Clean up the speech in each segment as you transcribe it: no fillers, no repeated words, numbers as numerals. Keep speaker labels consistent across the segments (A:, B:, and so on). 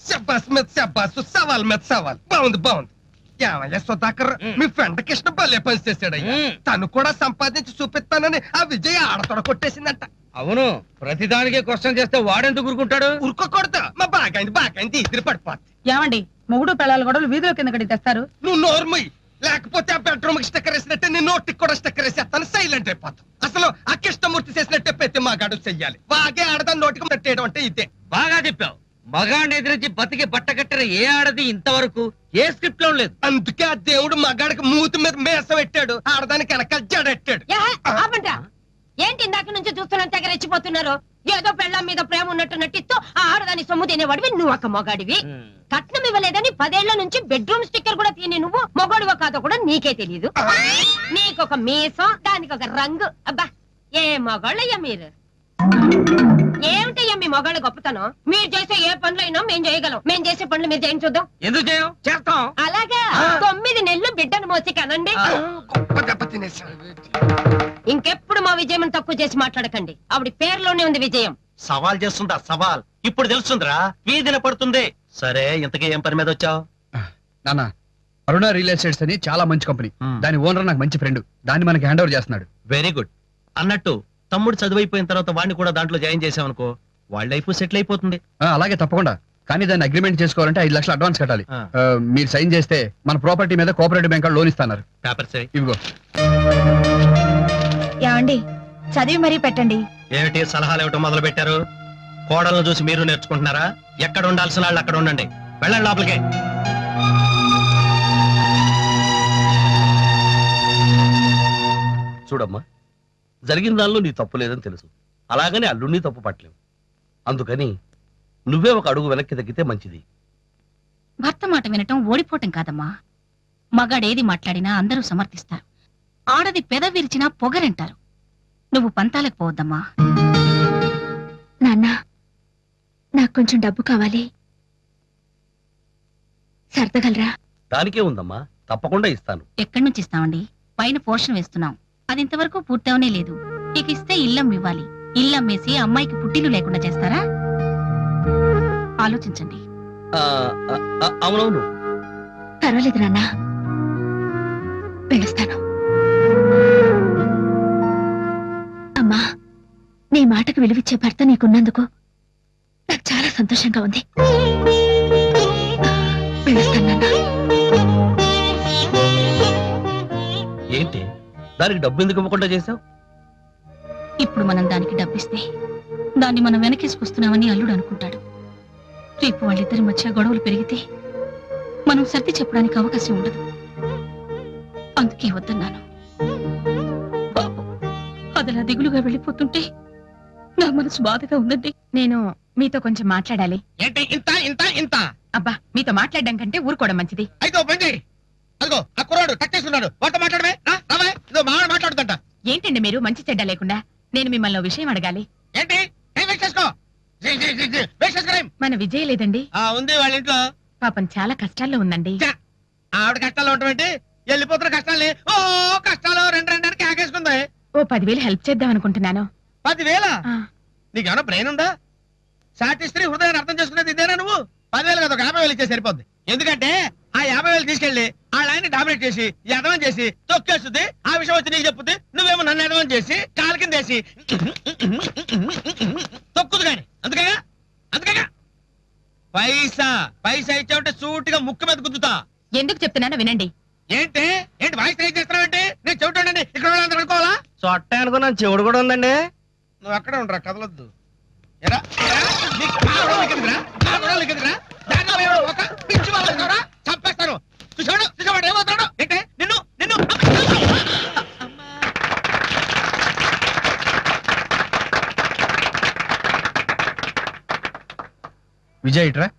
A: శబ్బాస్ మీద శబ్బాసు, సవాల్ మీద సవాల్. బాగుంది బాగుంది. ఏమయ్యా సుధాకర్, మీ ఫ్రెండ్ కృష్ణ భలే పని చేశాడయ్యా. తను కూడా సంపాదించి చూపిస్తానని ఆ విజయ్ ఆడతోడ కొట్టేసిందంట.
B: అవును, ప్రతిదానికే క్వశ్చన్ చేస్తే వాడెందుకు ఊరుకుంటాడు?
A: ఊరుకోకూడదు. మా బాగాయింది ఇద్దరు పడిపోద్ది.
C: ఏమండి, మొగుడు పిల్లలు గొడవలు వీధిలో కింద కడి తెస్తారు.
A: నువ్వు నోర్మయ్యి, లేకపోతే ఆ బెడ్రూమ్ కి స్టిక్కర్ వేసినట్టే నీ నోటికి కూడా స్టిక్కర్ వేసేస్తాను. సైలెంట్ అయిపోతాం. అసలు ఆ కృష్ణమూర్తి చేసినట్టే ప్రతి మగాడు చెయ్యాలి. వాగే ఆడదాన్ని నోటికి పెట్టేయడం అంటే ఇదే.
B: బాగా చెప్పావు. మగాడిని ఎదిరించి బతికి బట్టకట్టిన ఏ ఆడది ఇంతవరకు ఏ స్క్రిప్ట్ లో లేదు.
A: అందుకే ఆ దేవుడు మగాడికి మూతి మీద మేస పెట్టాడు, ఆడదానికి వెనకాల జడెట్టాడు.
D: ఏంటి ఇందాక నుంచి చూస్తున్నంత తెగ రెచ్చిపోతున్నారు? ఏదో పెళ్ళాం మీద ప్రేమ ఉన్నట్టు నటిస్తూ ఆ ఆడదాని సొమ్ము తినేవాడివి నువ్వు, ఒక మొగాడివి. కట్నం ఇవ్వలేదని 10 ఏళ్ల నుంచి బెడ్రూమ్ స్టిక్కర్ కూడా తిని నువ్వు మొగాడివో కాదో కూడా నీకే తెలియదు. నీకొక మీసం, దానికి ఒక రంగు. అబ్బా, ఏ మొగాళ్ళయ్యా మీరు! ఏమిటయ్యా మీ మొగాళ్ళ గొప్పతనం? మీరు చేసే ఏ పనులైనా మేము చేయగలం. మేము చేసే పనులు మీరు చేయం చూద్దాం.
B: ఎందుకు చేయం? చేస్తాం.
D: అలాగా 9 నెలలు బిడ్డను మోసి కనండి. ఇంకెప్పుడు మా విజయం తక్కువ చేసి మాట్లాడకండి. ఆవిడ పేరులోనే ఉంది విజయం.
E: సవాల్ చేస్తుందా? సవాల్ ఇప్పుడు తెలుస్తుందిరా, వీధిన పడుతుంది. సరే, ఇంతకీ ఏం పని మీద వచ్చావు?
F: నాన్న, అరుణ రియల్ ఎస్టేట్స్ అని చాలా మంచి కంపెనీ. దాని ఓనర్ నాకు మంచి ఫ్రెండ్. దాన్ని మనకి హ్యాండ్ ఓవర్ చేస్తున్నాడు.
E: Very good. అన్నట్టు తమ్ముడు చదువైపోయిన తర్వాత వాడిని కూడా దాంట్లో జాయిన్ చేసామనుకో, వాళ్ళ లైఫ్ సెటిల్ అయిపోతుంది.
F: అలాగే తప్పకుండా. కానీ దాన్ని అగ్రిమెంట్ చేసుకోవాలంటే 5 లక్షలు అడ్వాన్స్ కట్టాలి. మీరు సైన్ చేస్తే మన ప్రాపర్టీ మీద కోఆపరేటివ్ బ్యాంక్ లోన్ ఇస్తున్నారు.
E: పేపర్స్
F: ఇవిగో.
C: ఏమండి, చదివి మరీ పెట్టండి.
E: ఏమిటి సలహాలు ఇవ్వటం మొదలు పెట్టారు? కోడలను చూసి మీరు నేర్చుకుంటున్నారా? ఎక్కడ ఉండాల్సిన వాళ్ళు అక్కడ ఉండండి. వెళ్ళండి లోపలికి.
G: చూడమ్మా, జరిగిన దానిలో నీ తప్పు లేదని తెలుసు. అలాగని అల్లుడిని తప్పు పట్టలేవు. అందుకని నువ్వే ఒక అడుగు వెనక్కి తగ్గితే మంచిది.
H: భర్త మాట వినటం ఓడిపోవటం కాదమ్మా. మగాడేది మాట్లాడినా అందరూ సమర్థిస్తారు. ఆడది పెద విరిచినా పొగరంటారు. నువ్వు పంతాలకు పోవద్దమ్మా.
I: నాన్న, నాకు కొంచెం డబ్బు కావాలి, సర్దగలరా?
G: దానికే ఉందమ్మా, తప్పకుండా ఇస్తాను.
H: ఎక్కడి నుంచి ఇస్తామండి? పైన పోర్షన్ వేస్తున్నాం, అది ఇంతవరకు పూర్తవనే లేదు. ఇక ఇస్తే ఇల్లం ఇవ్వాలి. ఇల్లమ్మేసి అమ్మాయికి పుట్టిల్లు లేకుండా చేస్తారా? ఆలోచించండి.
G: అవునవును.
I: పర్వాలేదు నాన్న, వెళ్ళొస్తాను. అమ్మా, నీ మాటకు విలువిచ్చే భర్త నీకున్నందుకు నాకు చాలా సంతోషంగా ఉంది. వెళ్ళొస్తాను నాన్న.
G: ఏంటి దానికి డబ్బు ఎందుకు ఇవ్వకుండా చేశావు?
H: ఇప్పుడు మనం దానికి డబ్బిస్తే దాన్ని మనం వెనకేసుకొస్తున్నామని అల్లుడు అనుకుంటాడు. రేపు వాళ్ళిద్దరి మధ్య గొడవలు పెరిగితే మనం సర్ది చెప్పడానికి అవకాశం ఉండదు. అందుకే వద్దన్నాను. పాపం అదలా దిగులుగా వెళ్ళిపోతుంటే నా మనసు బాధగా ఉందండి.
C: నేను మీతో కొంచెం మాట్లాడాలి.
A: ఏంటి ఇంత ఇంత ఇంత?
C: అబ్బా, మీతో మాట్లాడడం కంటే ఊరుకోవడం మంచిది.
A: అయితే బండి, అదిగో ఆ కుర్రాడు టచ్ చేస్తున్నాడు. వాటితో మాట్లాడమే. ఇదో మావాడు మాట్లాడుతుంట.
C: ఏంటండి మీరు మంచి చెడ్డ లేకుండా? నేను మిమ్మల్ని విషయం అడగాలి.
A: ఏంటి?
C: మన విజయ్ లేదండి,
A: ఉంది వాళ్ళ ఇంట్లో.
C: పాపం చాలా కష్టాల్లో ఉందండి.
A: ఆవిడ కష్టాలు ఉండటం ఏంటి? వెళ్ళిపోతున్న కష్టాలని కష్టాలు రెండు కేకేసుకుంది.
C: ఓ 10,000 హెల్ప్ చేద్దాం అనుకుంటున్నాను.
A: 10,000? నీకేమన్నా బ్రెయిన్ ఉందా? సాటి స్త్రీ హృదయాన్ని అర్థం చేసుకునేది ఇదేనా నువ్వు? 10,000 కదా, 50,000 ఇచ్చే సరిపోద్ది. ఎందుకంటే ఆ 50,000 తీసుకెళ్లి ఆ లైన్ డామినేట్ చేసి ఎదవం చేసి తొక్కేస్తుంది. ఆ విషయం వచ్చి నీకు చెప్పుద్ది. నువ్వేమో నన్ను ఎదవం చేసి కాలు కింద వేసి తొక్కుదు కానీ. అందుకేగా పైసా ఇచ్చావంటే సూటిగా ముక్కు మీద గుద్దుతా.
C: ఎందుకు చెప్తున్నానో వినండి.
A: ఏంటి వాయిస్ ట్రై చేస్తున్నావంటే నేను చెవిటండి. ఇక్కడ వాళ్ళందరూ అనుకోవాలా?
E: చొట్ట అనుకున్నాను, చెవుడు కూడా ఉందండి.
A: నువ్వు అక్కడే ఉండరా, కదలొద్దు. చంపేస్తాను. చూసాడు ఏమవుతాడు? ఏంటే నిన్ను
F: విజయ్ ఇట్రా.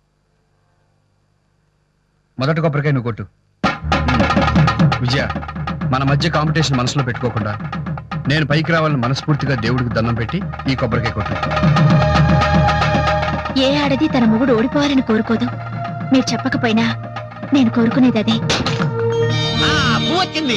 F: మొదటి కొబ్బరికాయ నువ్వు కొట్టు. విజయ, మన మధ్య కాంపిటీషన్ మనసులో పెట్టుకోకుండా నేను పైకి రావాలని మనస్ఫూర్తిగా దేవుడికి దండం పెట్టి ఈ కొబ్బరికాయ కొట్టు.
I: ఏ ఆడది తన మొగుడు ఓడిపోవాలని కోరుకోదు. మీరు చెప్పకపోయినా నేను కోరుకునేది అదే.
B: వచ్చింది.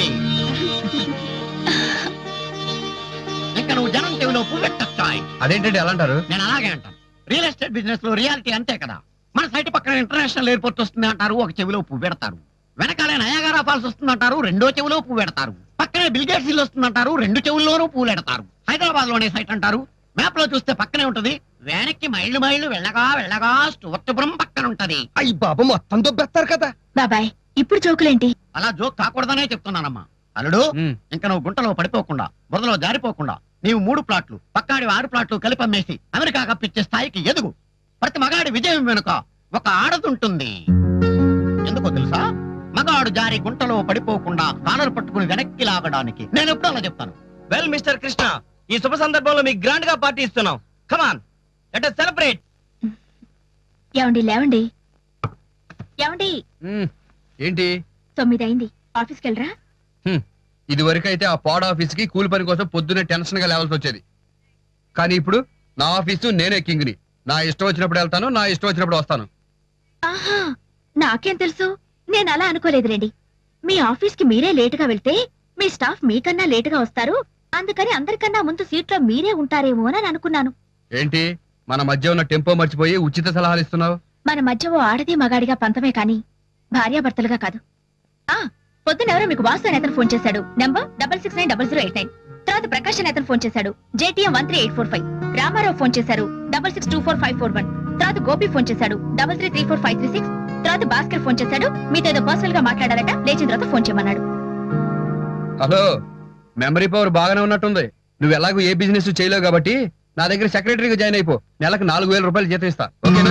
B: ఇంకా నువ్వు జనం చెవిలో పువ్వెట్టొచ్చాయి.
F: అదేంటంటే అలా అంటారు?
B: నేను అలాగే అంటాను. రియల్ ఎస్టేట్ బిజినెస్ లో రియాలిటీ అంతే కదా.
A: మన సైట్ పక్కన ఇంటర్నేషనల్ ఎయిర్పోర్ట్ వస్తుంది అంటారు, ఒక చెవిలో పువ్వు పెడతారు. వెనకాలే నయాగారా ఫాల్స్ వస్తుందంటారు, రెండో చెవిలో పువ్వు పెడతారు. పక్కనే బిల్గేట్స్ ఇల్లు వస్తుందంటారు, రెండు చెవుల్లోనూ పువ్వులు పెడతారు. హైదరాబాద్ లోనే సైట్ అంటారు, మ్యాప్ లో చూస్తే పక్కనే ఉంటది. వెనక్కి మైళ్ళు మైళ్ళు వెళ్ళగా స్టోర్పురం పక్కన ఉంటది.
E: అయ్యి బాబు మొత్తం దొబ్బేస్తారు కదా.
I: బాబాయ్ ఇప్పుడు జోకులేంటి?
A: అలా జోక్ కాకూడదనే చెప్తున్నానమ్మా. అల్లుడు, ఇంకా నువ్వు గుంటలో పడిపోకుండా, బురదలో జారిపోకుండా, నీవు 3 ప్లాట్లు, పక్కాడి 6 ప్లాట్లు కలిపి అమ్మేసి అమెరికా కప్పించే స్థాయికి ఎదుగు. ప్రతి మగాడి విజయం వెనుక ఒక ఆడదుంటుంది. ఎందుకో తెలుసా? మగాడు జారి గుంటలో పడిపోకుండా కాలర్ పట్టుకుని వెనక్కి లాగడానికి. నేను ఎప్పుడు అలా చెప్తాను.
B: వెల్ మిస్టర్ కృష్ణ, ఈ శుభ సందర్భంలో మీకు గ్రాండ్ గా పార్టీ ఇస్తున్నాం. Come on, let us celebrate.
I: ఏమండి లేవండి. ఏమండి
F: ఏంటి
I: 9 అయింది, ఆఫీస్కి వెళ్ళరా?
F: ఇది వరకు అయితే ఆ పాడ్ ఆఫీస్ కి కూలి పని కోసం పొద్దున్నే టెన్షన్ గా లేవాల్సి వచ్చేది. కానీ ఇప్పుడు నా ఆఫీసు నేనే కింగ్ని. నా ఇష్టం వచ్చినప్పుడు వెళ్తాను, నా ఇష్టం వచ్చినప్పుడు వస్తాను.
I: ఆహా, నాకేం తెలుసు? నేను అలా అనుకోలేదులేండి. మీ ఆఫీస్ కి మీరే లేటుగా వెళ్తే మీ స్టాఫ్ మీకన్నా లేటుగా వస్తారు, అందుకని అందరికన్నా ముందు సీట్లో మీరే ఉంటారేమో అని అనుకున్నాను.
F: ఏంటి మన మధ్య ఉన్న టెంపో మర్చిపోయి ఉచిత సలహాలు ఇస్తున్నావు?
I: మన మధ్య ఓ ఆడది మగాడిగా పంతమే కాని భార్యాభర్తలుగా కాదు. ఆ పొద్దున ఎవరో మీకు వాసు అనే అతను ఫోన్ చేశాడు, నంబర్ 66900089. తర్వాత ప్రకాష్ అనే అతను ఫోన్ చేశాడు, JTM 13845. రామారావు ఫోన్ చేశారు 66244541. తర్వాత గోపి ఫోన్ చేశాడు 333456. తర్వాత భాస్కర్ ఫోన్ చేశాడు, మీతో ఏదో పర్సనల్ గా మాట్లాడాలట, లేచిన తర్వాత ఫోన్ చేయమన్నాడు.
F: హలో, మెమరీ పవర్ బాగానే ఉన్నట్టుంది. నువ్వు ఎలాగో ఏ బిజినెస్ చేయలేవు కాబట్టి నా దగ్గర సెక్రటరీగా జాయిన్ అయిపో. నెలకు 4000 రూపాయలు జీతం ఇస్తా, ఓకేనా?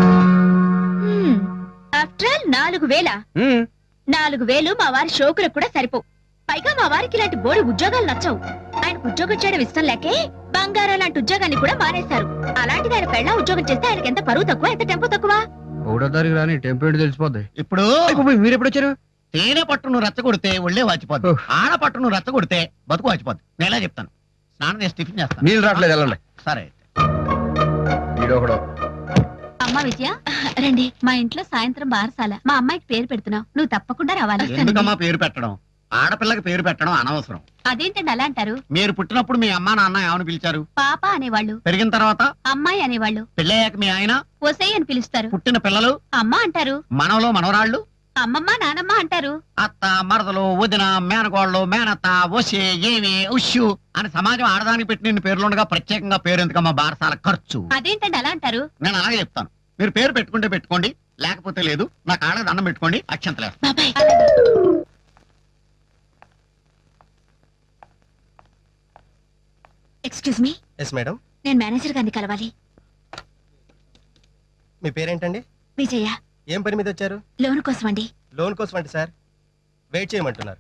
I: After all 4000. 4000 మా వారి షోకులకు కూడా సరిపో. పైగా మా వారికి ఇలాంటి బోడి ఉద్యోగాలు నచ్చవు. ఆయనకు ఉద్యోగం చేయడం ఇష్టం లేకే బంగారం లాంటి ఉద్యోగాన్ని కూడా మానేశారు. అలాంటిది ఆయన పెళ్ళ ఉద్యోగం చేస్తే ఆయనకి ఎంత పరువు తక్కువ, ఎంత టెంపో తక్కువ.
F: 1వ తారీఖు రాని టెంపో ఏంటి తెలిసిపోద్ది.
A: ఇప్పుడు
F: మీరు ఎప్పుడు వచ్చారు?
A: తేనె పట్టును రెచ్చగొడితే ఒళ్ళే వాచిపోద్ది, ఆడ పట్టును రెచ్చగొడితే బతుకు వాచిపోద్ది. నేను ఎలా చెప్తాను? స్నానం చేసి టిఫిన్ చేస్తాను.
F: నీళ్ళు రావట్లేదు, వెళ్ళండి.
A: సరే.
F: వీడొకడు.
H: అమ్మా విజయ, రండి. మా ఇంట్లో సాయంత్రం బారసాల. మా అమ్మాయికి పేరు పెడుతున్నావు, నువ్వు తప్పకుండా రావాలి.
A: ఎందుకమ్మా పేరు పెట్టడం? ఆడపిల్లకి పేరు పెట్టడం అనవసరం.
H: అదేంటండి అలా అంటారు?
A: మీరు పుట్టినప్పుడు మీ అమ్మా నాన్న ఏమని పిలిచారు?
H: పాప అనేవాళ్ళు,
A: పెరిగిన తర్వాత
H: అమ్మాయి అనేవాళ్ళు,
A: పెళ్ళయ్యాక మీ ఆయన
H: ఒసేయ్ అని పిలుస్తారు.
A: పుట్టిన పిల్లలు
H: అమ్మ అంటారు,
A: మనవలో మనవరాళ్ళు
H: అమ్మమ్మ నానమ్మ అంటారు.
A: అత్త, మరదలు, వదిన, మేనగోళ్ళు, మేనత్త, ఒసే, ఏమి, ఉష్యు అని సమాజం ఆడదానికి పెట్టిన పేర్లుండగా ప్రత్యేకంగా పేరు ఎందుకమ్మా? బారసాల ఖర్చు.
H: అదేంటండి అలా అంటారు?
A: నేను అలాగే చెప్తాను. మీరు పేరు పెట్టుకుంటే పెట్టుకోండి, లేకపోతే లేదు. నా కాళ్ళకి దండం పెట్టుకోండి, అక్షంతలేదు.
I: బాబాయ్ ఎక్స్క్యూజ్ మీ.
E: Yes madam.
I: నేను మేనేజర్ గారిని కలవాలి.
E: మీ పేరేంటండి?
I: విజయ.
E: ఏం పని మీద వచ్చారు?
I: లోన్ కోసం అండి.
E: లోన్ కోసం అంటే సార్ వెయిట్ చేయమంటున్నారు.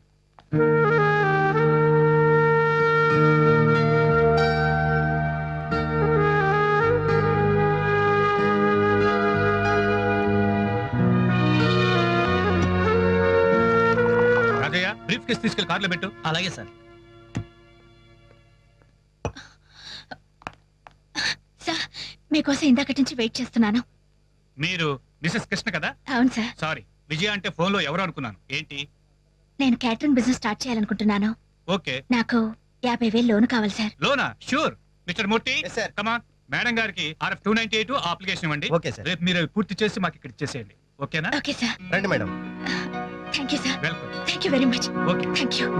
J: రాజయ్య, బ్రీఫ్ కేసు తీసుకెళ్లి కార్లో పెట్టు.
B: అలాగే సార్.
I: సార్ మీకోసం ఇందాకటి నుంచి వెయిట్ చేస్తున్నాను.
J: మీరు మిసెస్ కృష్ణ కదా?
I: అవును సార్.
J: సారీ, విజయ అంటే ఫోన్ లో ఎవరు అనుకున్నాను. ఏంటి?
I: నేను క్యాటరింగ్ బిజినెస్ స్టార్ట్ చేయాలనుకుంటున్నాను.
J: ఓకే.
I: నాకు 50,000 లోన్ కావాలి సార్.
J: లోనా? Sure. Mister Murthy,
E: Yes, sir.
J: Come on. Madam గారికి RF 298 అప్లికేషన్ ఇవ్వండి.
E: Okay sir.
J: రేపు మీరు అవి పూర్తి చేసి మాకు ఇక్కడ ఇచ్చేసేయండి. ఓకేనా?
I: Okay sir.
E: రండి madam.
I: Thank you sir.
J: Welcome.
I: Thank you very much.
J: Okay.
I: Thank you.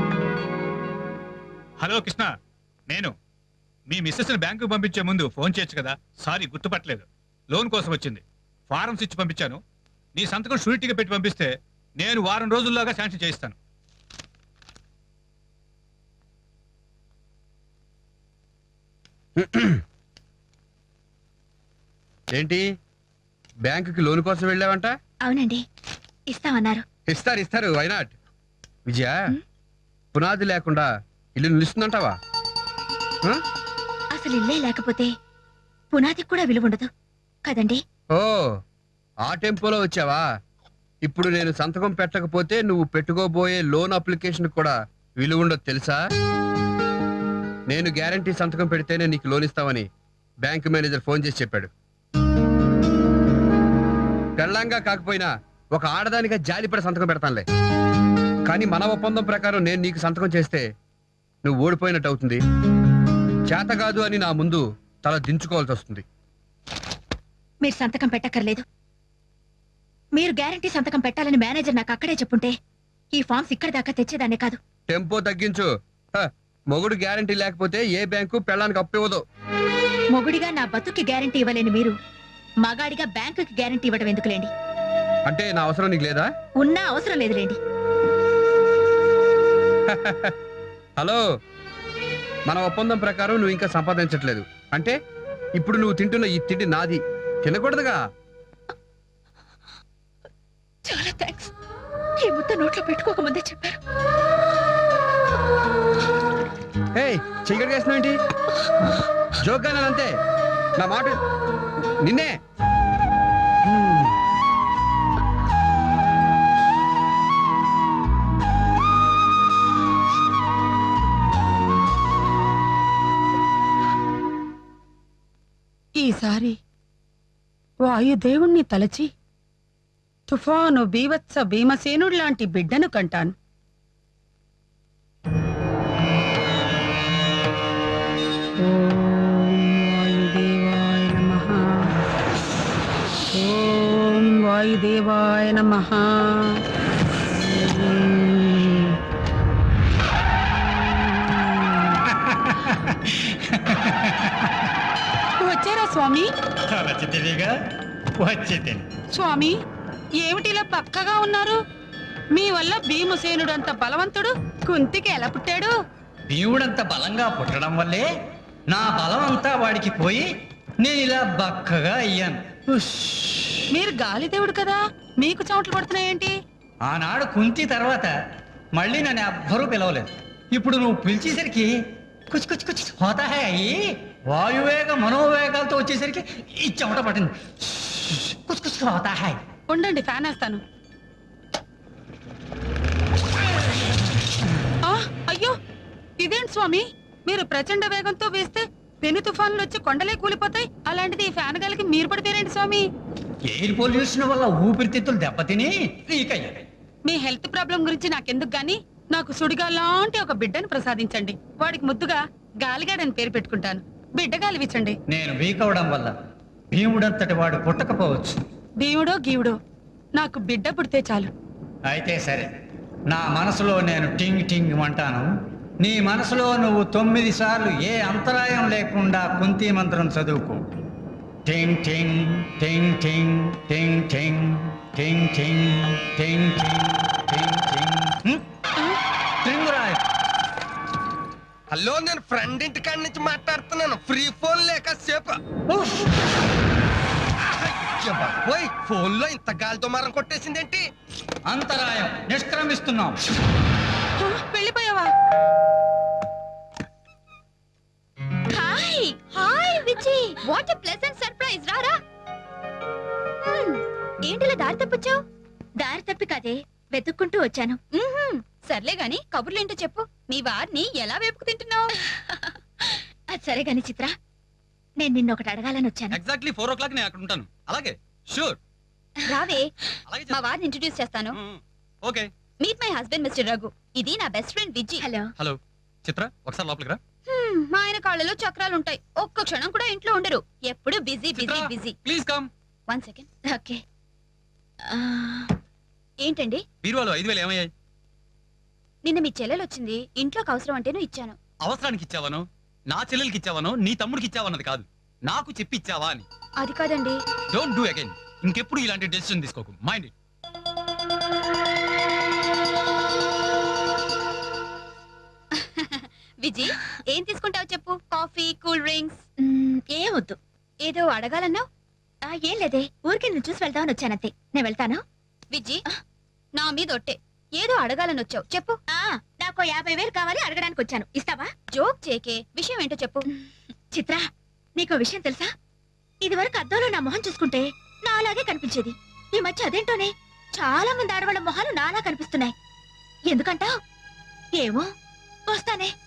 J: Hello Krishna, నేను మీ మిస్సెస్ ని బ్యాంకు పంపించే ముందు ఫోన్ చేయొచ్చు కదా? సారీ, గుర్తుపట్టలేదు. లోన్ కోసం వచ్చింది. ఫారమ్స్ ఇచ్చి పంపించాను. నీ సంతకం షూరిటీగా పెట్టి పంపిస్తే నేను వారం రోజుల్లోగా శాంక్షన్ చేయిస్తాను.
F: ఏంటి బ్యాంకుకి లోన్ కోసం వెళ్ళావంట?
I: అవునండి, ఇస్తామన్నారు.
F: ఇస్తారు, వైనాట్. విజయ, పునాది లేకుండా ఇల్లు నిలుస్తుందంటావా?
I: అసలు ఇల్లే లేకపోతే పునాదికి కూడా విలువ ఉండదు కదండి.
F: ఓ, ఆ టెంపోలో వచ్చావా? ఇప్పుడు నేను సంతకం పెట్టకపోతే నువ్వు పెట్టుకోబోయే లోన్ అప్లికేషన్ కూడా విలువ ఉండదు తెలుసా? నేను గ్యారంటీ సంతకం పెడితేనే నీకు లోన్ ఇస్తామని బ్యాంక్ మేనేజర్ ఫోన్ చేసి చెప్పాడు. పెళ్ళంగా కాకపోయినా ఒక ఆడదానిగా జాలిపడి సంతకం పెడతానులే. కానీ మన ఒప్పందం ప్రకారం నేను నీకు సంతకం చేస్తే నువ్వు ఓడిపోయినట్టు అవుతుంది. చేత కాదు అని నా ముందు తల దించుకోవాల్సి వస్తుంది.
I: మీరు సంతకం పెట్టక్కర్లేదు. మీరు గ్యారంటీ సంతకం పెట్టాలని మేనేజర్ నాకు అక్కడే చెప్పుంటే ఈ ఫామ్స్ ఇక్కడ దాకా తెచ్చేదాన్నే కాదు.
F: టెంపో తగ్గించు. మొగుడు గ్యారంటీ లేకపోతే ఏ బ్యాంకు పెళ్ళానికి అప్పివ్వదు.
I: మొగుడిగా నా బతుక్కి గ్యారంటీ ఇవ్వలేని మీరు మగాడిగా బ్యాంకుకి గ్యారంటీ ఇవ్వడం ఎందుకులేండి?
F: అంటే నా అవసరం నీకు లేదా?
I: ఉన్నా అవసరం లేదులేండి.
F: హలో, మన ఒప్పందం ప్రకారం నువ్వు ఇంకా సంపాదించట్లేదు అంటే ఇప్పుడు నువ్వు తింటున్న ఈ తిండి నాది, తినకూడదుగా.
I: చాలా థ్యాంక్స్. ఈ ముద్ద నోట్లో పెట్టుకోకముందే చెప్పారు.
F: చెయ్యడు చేసినావేంటి? జోక్గా అంతే, నా మాట నిన్నే.
K: ఈసారి వాయుదేవుణ్ణి తలచి తుఫాను బీవత్స భీమసేనుడు లాంటి బిడ్డను కంటాను. ఓం వాయుదేవాయ నమః. వచ్చారా స్వామి? స్వామి, ఏమిటిలా పక్కగా ఉన్నారు? మీ వల్ల భీమసేనుడు అంత బలవంతుడు కుంతికి ఎలా పుట్టాడు?
B: భీముడంత బలంగా పుట్టడం వల్లే నా బలం అంతా వాడికి పోయి నేను ఇలా బక్కగా అయ్యాను.
K: మీరు గాలిదేవుడు కదా, మీకు చెమటలు పడుతున్నాయేంటి?
B: ఆనాడు కుంతి తర్వాత మళ్ళీ నన్ను ఎవ్వరూ పిలవలేదు. ఇప్పుడు నువ్వు పిలిచేసరికి కుచి కుచి కుచి హోతా హై అయ్యి వాయువేగ మనోవేగాలతో వచ్చేసరికి ఈ చెమట పట్టింది. కుచి కుచి హోతా హై.
K: ఉండండి, ఫ్యాన్ వేస్తాను. అయ్యో, ఇదేంటి స్వామి, మీరు ప్రచండ వేగంతో వేస్తే పెను తుఫాన్లు వచ్చి కొండలే కూలిపోతాయి. అలాంటిది ఈ ఫ్యాన్ గాలికి మీరు పడితేరేంటి స్వామి?
B: ఎయిర్ పొల్యూషన్ వల్ల ఊపిరితిత్తులు దెబ్బతిని లీక్ అయ్యాయి.
K: మీ హెల్త్ ప్రాబ్లం గురించి నాకెందుకు గాని నాకు సుడిగా లాంటి ఒక బిడ్డను ప్రసాదించండి. వాడికి ముద్దుగా గాలిగాడని పేరు పెట్టుకుంటాను. బిడ్డ గాలివిచ్చండి.
B: నేను వీక్ అవడం వల్ల భీముడంతటి వాడు పుట్టకపోవచ్చు.
K: భీముడో గీవుడో నాకు బిడ్డ పుడితే చాలు.
B: అయితే సరే, నా మనసులో నేను టింగ్ టింగ్ అంటాను. నీ మనసులో నువ్వు 9 సార్లు ఏ అంతరాయం లేకుండా కుంతి మంత్రం చదువుకో. టింగ్ టింగ్ టింగ్ టింగ్ టింగ్ టింగ్ టింగ్ టింగ్ టింగ్ టింగ్ టింగ్ టింగ్. టింగురాయ్.
E: హలో, నేను ఫ్రెండ్ ఇంటి కాడి నుంచి మాట్లాడుతున్నాను. ఫ్రీ ఫోన్ లేక సేపు ఫోన్ లో ఇంత గాలితో మరం కొట్టేసిందేంటి?
B: అంతరాయం నిష్క్రమిస్తున్నాం.
K: వెళ్ళిపోయావా?
I: Hi hi Viji, what a pleasant surprise. రారా. ఏంటిలా దారి తప్పొచ్చావు? దారి తప్పి కాదే, వెతుక్కుంటూ వచ్చాను. సర్లే గాని కబుర్లేంటో చెప్పు. మీ వారిని ఎలా వేపుకు తింటున్నావు? అది సరే గాని చిత్ర, నేను నిన్నొకటి అడగాలని వచ్చాను.
E: ఎగ్జాక్ట్లీ 4 o'clock నేను అక్కడ ఉంటాను. అలాగే, షూర్.
I: రావే,
E: అలాగే
I: మా వారిని ఇంట్రడ్యూస్ చేస్తాను.
E: Okay.
I: Meet my husband mister Raghu. ఇది నా best friend Viji. Hello.
E: Hello Chitra, ఒకసారి లోపలికి రా.
I: మా ఆయన కాళ్ళలో చక్రాలు ఉంటాయి. ఒక్క క్షణం కూడా ఇంట్లో ఉండరు. ఎప్పుడు busy busy busy.
E: Please come.
I: 1 second. Okay. ఏంటండి?
E: బీరువాలో 5,000 ఏమయ్యాయి?
I: నిన్న మీ చెల్లెలు వచ్చింది, ఇంట్లోకి అవసరం అంటేను ఇచ్చాను.
E: అవసరానికి ఇచ్చావను, నా చెల్లెలకి ఇచ్చావను, నీ తమ్ముడికి ఇచ్చావన్నది కాదు, నాకు చెప్పి ఇచ్చావా అని.
I: అది కాదండి.
E: Don't do again. ఇంకెప్పుడు ఇలాంటి డెసిషన్ తీసుకోకు. Mind it.
I: విజి, ఏం తీసుకుంటావు చెప్పు. Coffee, cool drinks? ఏం వద్దు. ఏదో అడగాలన్నావు? ఏం లేదే, ఊరికి నేను చూసి వెళ్తామని వచ్చానంతే. నేను వెళ్తాను. విజి, నా మీద ఒట్టే. ఏదో అడగాలని వచ్చావు, చెప్పు. నాకు 50,000 కావాలి, అడగడానికి వచ్చాను. ఇస్తావా? జోక్ చేకే, విషయం ఏంటో చెప్పు. చిత్ర, నీకో విషయం తెలుసా? ఇది వరకు అద్దంలో నా మొహం చూసుకుంటే నాలాగే కనిపించేది. ఈ మధ్య అదేంటోనే చాలా మంది ఆడవాళ్ళ మొహాలు నాలా కనిపిస్తున్నాయి. ఎందుకంటావ్? ఏమో, వస్తానే.